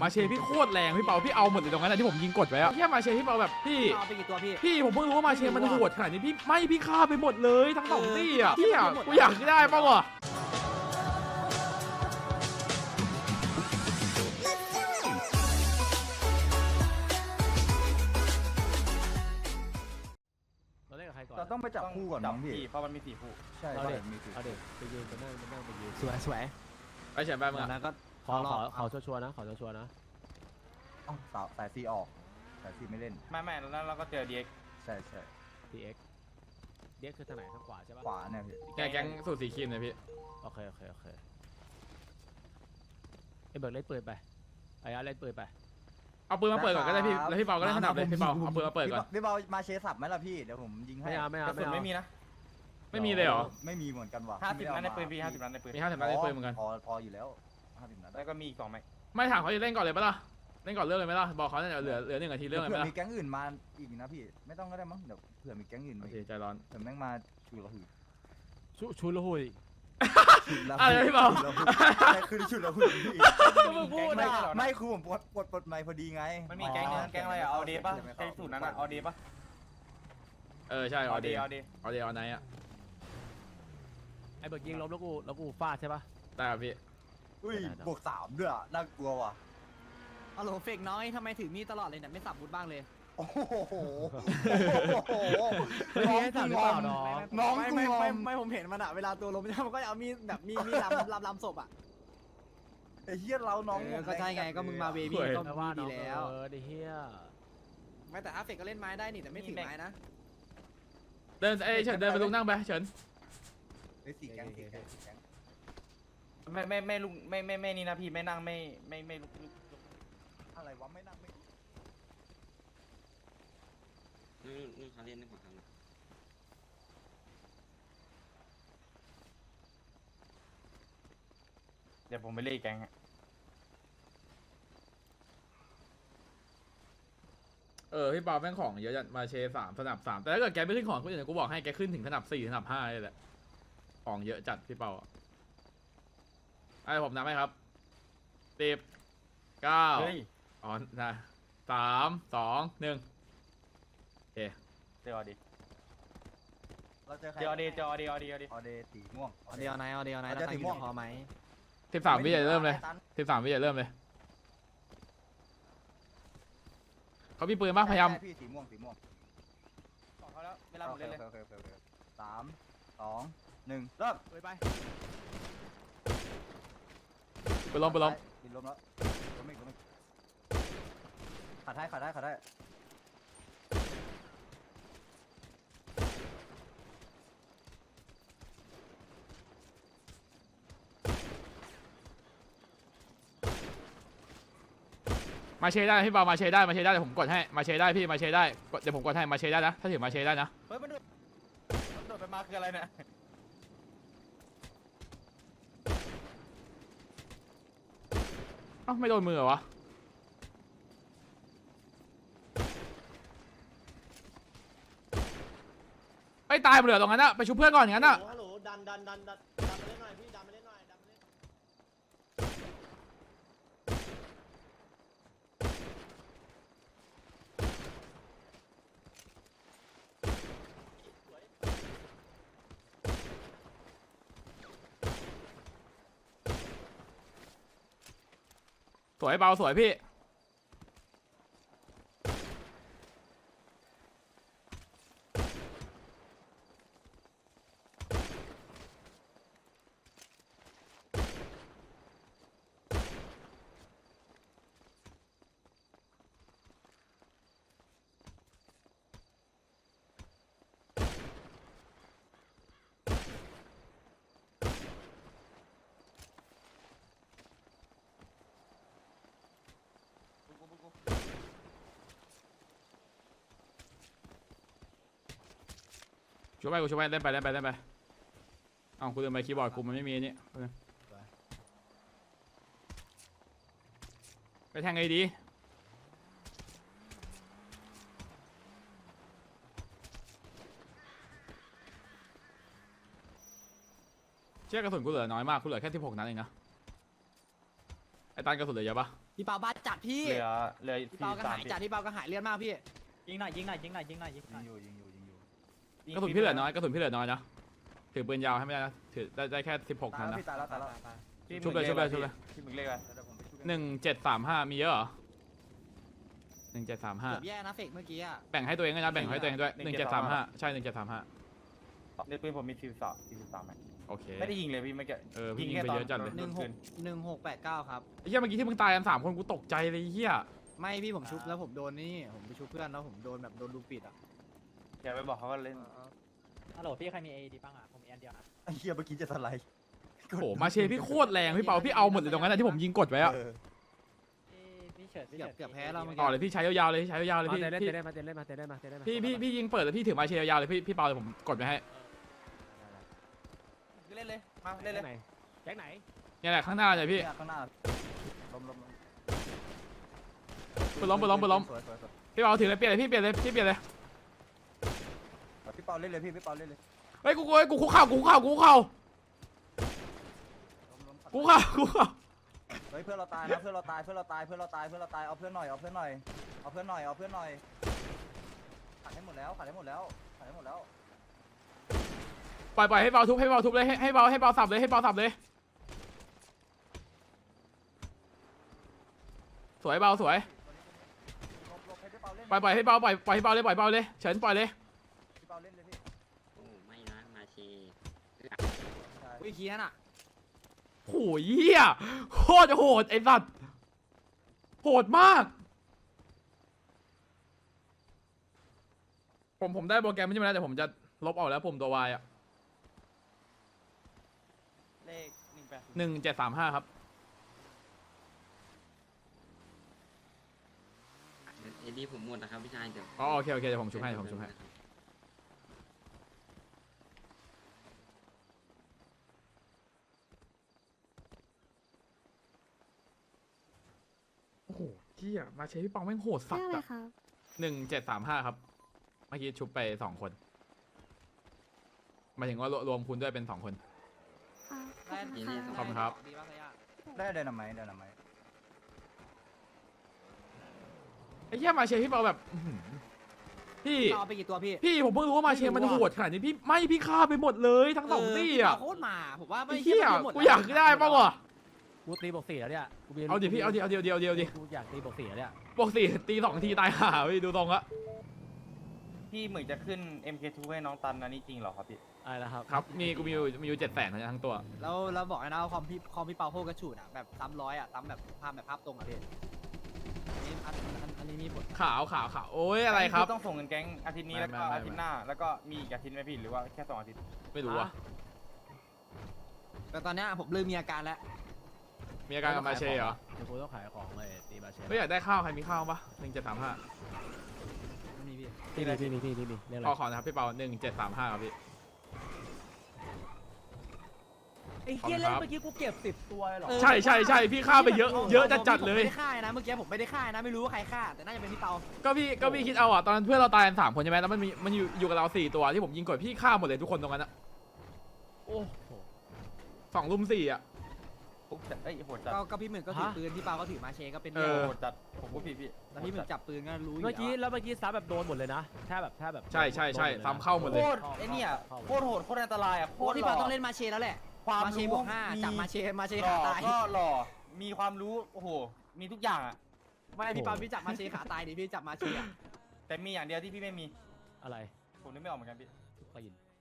มาเชพี่โคตรแรงพี่เปาพี่เอาหมดเลยตรงนั้นที่ผมยิงกดไว้อะแค่มาเชพี่เปาแบบพี่เอาไปกี่ตัวพี่พี่ผมเพิ่งรู้ว่ามาเชมันโหดขนาดนี้พี่ฆ่าไปหมดเลยทั้งสองตี้อะพี่อะกูอยากได้ป่าวะเราต้องไปจับคู่ก่อนน้องพี่เพราะมันมี4 คู่ใช่มีสี่เอาเด็กไปยืนไปนั่งไปยืนสวยสวยไปเฉียนไปมึงจากอะนั้นก็ขอชัวร์นะขอชัวร์นะสายซีออกสายซีไม่เล่นไม่แล้วเราก็เจอ DX ใช่ TX เด็กคือทางไหนทางขวาใช่ปะขวาเนี่ยพี่แก๊งสูตรสีครีมเลยพี่โอเคไอ้เบิร์ดเล่นปืนไปไอ้อาร์เล่นปืนไปเอาปืนมาเปิดก่อนก็ได้พี่แล้วพี่เปาก็ได้ถนัดเลยพี่เปาเอาปืนมาเปิดก่อนพี่เปามาเชสับไหมล่ะพี่เดี๋ยวผมยิงให้ไม่กระสุนเอาไม่มีนะไม่มีเลยเหรอไม่มีเหมือนกันว่ะ 50 นัดในปืนพี่50 นัดในปืนมี50 นัดในปืนเหมือนกันพออยู่แล้ว50 นัดแล้วก็มีอีก2 ไหมไม่ถามเขาจะเล่นก่อนเลยปะล่ะเล่นก่อนเรื่องเลยไหมล่ะบอกเขาเนี่ยเหลือ1 นาทีเรื่องเลยไหมเผื่อล่ะมีแก๊งอื่นมาอีกนะพี่ไม่ต้องก็ได้มั้งเดี๋ยวเผื่อมีแก๊งอื่นโอมาเคใจร้อนเผื่อแม่งมาชูละหือชุนละหุยชุดละอะไรพี่เปาคือชุดละหือพี่ก็มึงพูดอ่ะไม่คือผมปลดไมค์พอดีไงมันมีแก๊งนึงแก๊งอะไรอ่ะเอาเดป่ะแก๊งสูตรนั้นอ่ะเอาเดป่ะใช่ออเดย์เอาเดออเดย์ออนไนท์อะไอ้เบิร์ดยิงล้มแล้วกูฟาดใช่ปะได้ครับพี่อุ้ยบวก3ด้วยน่ากลัวว่ะเอาโหลเฟกน้อยทำไมถือมีดตลอดเลยเนี่ยไม่สับบุญบ้างเลยโอ้โหไม่มีให้สั่งหรือเปล่าน้องน้องไม่ผมเห็นมันอะเวลาตัวล้มมันก็จะเอามีดแบบมีลำศพอะไอ้เหี้ยเราน้องก็ใช่ไงก็มึงมาเวบี้ก็แต่ว่าดีน้องแล้วไอ้เฮียไม่แต่อาเฟกก็เล่นไม้ได้นี่แต่ไม่ถือไม้นะเดินเฉินเดินไปลุกนั่งไปเฉินไอ้สี่แก๊งไม่ลุกไม่นี่นะพี่ไม่นั่งไม่ลุกอะไรวะไม่นั่งไม่นู่นเขาเล่นในหัวเขาเดี๋ยวผมไปเล่นแก๊งพี่เปาแม่งของเยอะจัดมาเช3สนับ3แต่ถ้าเกิดแกไม่ขึ้นของคนอื่นกูบอกให้แกขึ้นถึงสนับ4สนับ5เลยแหละของเยอะจัดพี่เปาไอ้ผมนับให้ครับ10 เฮ้ย 9อ๋อนะ3 2 1โอเคเจอเอาดิเราเจอใครเจอเอาดิออเดสีม่วงเอาเดียวไหนแล้วตังค์พอไหม 13 วิจะเริ่มเลย13 วิจะเริ่มเลยเขามีปืนปะพยายามพี่สีม่วงของเขาแล้วเวลาหมดเลย 3 2 1เริ่มไปไปล้มบินล้มแล้วล้มอีกขัดได้มาเชได้พี่เปามาเชได้เดี๋ยวผมกดให้มาเชได้พี่มาเชได้เดี๋ยวผมกดให้มาเชได้นะถ้าถือมาเชได้นะเฮ้ยมันโดดไปมาคืออะไรเนี่ยเอ้าไม่โดนมือเหรอวะไอ้ตายหมดเลยตรงนั้นอะไปชุบเพื่อนก่อนอย่างนั้นอะฮัลโหลดันมาเล่นหน่อยพี่ดันมาเล่นหน่อยสวยเบาสวยพี่ช่วยไปกูช่วยไปเล่นไปเอ้ากูเดินไปคีย์บอร์ดกูมันไม่มีนี่ไปแทงไงดีเชือกกระสุนกูเหลือน้อยมากกูเหลือแค่16 นัดเองนะไอ้ตันกระสุนเหลือเยอะปะพี่เปาบ้าจัดพี่เหลือพี่เปาก็หายจัดพี่เปาก็หายเลือดมากพี่ยิงหน่อยยิงหน่อยยิงหน่อยยิงหน่อยยิงหน่อยยิงอยู่กระสุนพี่เหลือน้อยกระสุนพี่เหลือน้อยนะถือปืนยาวให้ไม่ได้นะถือได้แค่16 ตายนัดแล้วนะพี่ตายแล้วชุบเลยชุบเลยพี่มึงเรียกอะไรเดี๋ยวผมไปช่วย 1735มีเยอะเหรอ1735 เกือบแย่นะเฟกเมื่อกี้อ่ะแบ่งให้ตัวเองด้วยนะแบ่งให้ตัวเองด้วย1735ใช่1735 ในปืนผมมี43ไหมโอเคไม่ได้ยิงเลยพี่ไม่เกี่พี่ยิงไปเยอะจัดเลย 1689ครับไอ้เหี้ยเมื่อกี้ที่มึงตายกัน3 คนกูตกใจเลยไอ้เหี้ยไม่พี่ผมชุบแล้วผมโดนนี่ผมไปชุบเพื่อนแล้วผมโดนแบบโดนลูกปิดอ่ะอย่าไปบอกเขาว่าเล่นฮัลโหลพี่ใครมี AD บ้างอ่ะผมมีอันเดียวนะไอ้เหี้ยเมื่อกี้จะสไลด์โอ้โหมาเชพี่โคตรแรงพี่เปาพี่เอาหมดเลยตรงนั้นนะที่ผมยิงกดไว้อะเออพี่เฉิดเกือบแพ้แล้วเมื่อต่อกี้เลยพี่ใช้ยาวๆเลยใช้ยาวๆเลยมาพี่เตะเล่นพี่เตะเล่นมาเตะเล่นมาเตะเล่นมาเตะเล่นมาพี่ยิงเปิดแล้วพี่ถือมาเชยาวๆเลยพี่เปาเลยผมกดไปให้เล่นเลยมาเล่นเลยไหนแจ็คไหนเนี่ยแหละข้างหน้าเลยพี่เนี่ยข้างหน้าล้มปืนล้มสวยพี่เปาถือเลยเปลี่ยนเลยพี่เปลี่ยนเลยพี่เปลี่ยนเลยพี่เปาเล่นเลยพี่เปาเล่นเลยเฮ้ยกูคุกเข่าเฮ้ยเพื่อนเราตายนะเพื่อนเราตายเอาเพื่อนหน่อยขาดให้หมดแล้วปล่อยให้เบาทุบเลยให้เบาสับเลยสวยเบาสวยหลบให้พี่เปาเล่นปล่อยให้เบาเลยเฉินปล่อยเลยพี่เปาเล่นเลยพี่โอ้ไม่นะมาเชใช่อุ้ยเคียนอ่ะโหเหี้ยโคตรโหดไอ้สัตว์โหดมากผมได้โปรแกรมไม่ใช่ไหมนะแต่ผมจะลบออกแล้วผมตัววายอ่ะเลข 1735ครับเอ็ดดี้ผมหมดนะครับพี่ชายเดี๋ยวอ๋อโอเคเดี๋ยวผมชุบให้โอ้โหเหี้ยมาเชพี่ปองแม่งโหดสัตเรื่องว์อะไรอะครับ 1735ครับเมื่อกี้ชุบไป2 คนหมายถึงว่ารวมคุณด้วยเป็น2 คนอ่าขอบคุณได้ค่ะขอบคุณครับดีป่ะขยะได้ไดนาไมต์ไอ้เหี้ยมาเชพี่เปาแบบอื้อหือพี่เอาไปกี่ตัวพี่พี่ผมเพิ่งรู้ว่ามาเชมันโหดขนาดนี้พี่ฆ่าไปหมดเลยทั้งสองตี้อ่ะโคตรมาผมว่าไม่ไอ้เหี้ยหมดกูอยากได้ป่าวะกูตีบวก4แล้วเนี่ยกูมีเอาดิพี่เอาดิกูอยากตีบวก4แล้วเนี่ยปกติตี2 ทีตายห่าพี่ดูตรงละพี่เหมือนจะขึ้น MK2 ให้น้องตันอันนี้จริงเหรอครับพี่อะไรนะครับครับกูมีอยู่700,000ทั้งตัวแล้วบอกนะว่าคอมพี่เปาโคตรกระฉูดอ่ะแบบซ้ำร้อยอ่ะซ้ำแบบภาพตรงอ่ะพี่อันนี้มีผลขาวโอ้ยอะไรครับต้องส่งเงินแก๊งอาทิตย์นี้แล้วก็ไม่อาทิตย์หน้าแล้วก็มีอีกอาทิตย์ไหมพี่หรือว่าแค่2 อาทิตย์ไม่รู้อะแต่ตอนเนี้ยผมเริ่มมีอาการแล้วมีอาการกับมาเชเหรอเดี๋ยวกูต้องขายของเลยตีมาเชไม่อยากได้ข้าวใครมีข้าวปะ1735 ไม่มีพี่พี่มีเรื่องอะไรขอนะครับพี่เปา1735ครับพี่ไอ้เหี้ยเล่นเมื่อกี้กูเก็บ10ตัวเลยเหรอใช่พี่ฆ่าไปเยอะจัดเลยผมไม่ได้ฆ่านะเมื่อกี้ผมไม่ได้ฆ่านะไม่รู้ว่าใครฆ่าแต่น่าจะเป็นพี่เปาก็พี่คิดเอาอ่ะตอนนั้นเพื่อนเราตายกัน3 คนใช่ไหมแล้วมันอยู่กับเรา4 ตัวที่ผมยิงกดพี่ฆ่าหมดเลยทุกคนตรงนั้นอะโอ้โห 2 รุม 4อะปุ๊บจัดเอ้ยโหดจัดก็พี่หมึกก็ถือปืนพี่เปาก็ถือมาเชก็เป็นเออโหดจัดผมพูดผิดพี่แล้วพี่หมึกจับปืนก็รู้อยู่เมื่อกี้แล้วเมื่อกี้ซับแบบโดนหมดเลยนะแค่แบบใช่ซ้ำเข้าหมดเลยโคตรไอ้เนี่ยโคตรโหดโคตรอันตรายอ่ะโคโอ้ตรพี่หล่เปาอต้องเล่นมาเชแล้วแหละความมาเชรู้บวก5จับมาเชหล่ขาอตายก็หล่อมีความรู้โอ้โหมีทุกอย่างอ่ะไม่พี่เปาพี่จับมาเชขาตายดิพี่จับมาเชอะแต่มีอย่างเดียวที่พี่ไม่มีอะไรผมนึกไม่ออกเหมือนกันพี่ก็ยิน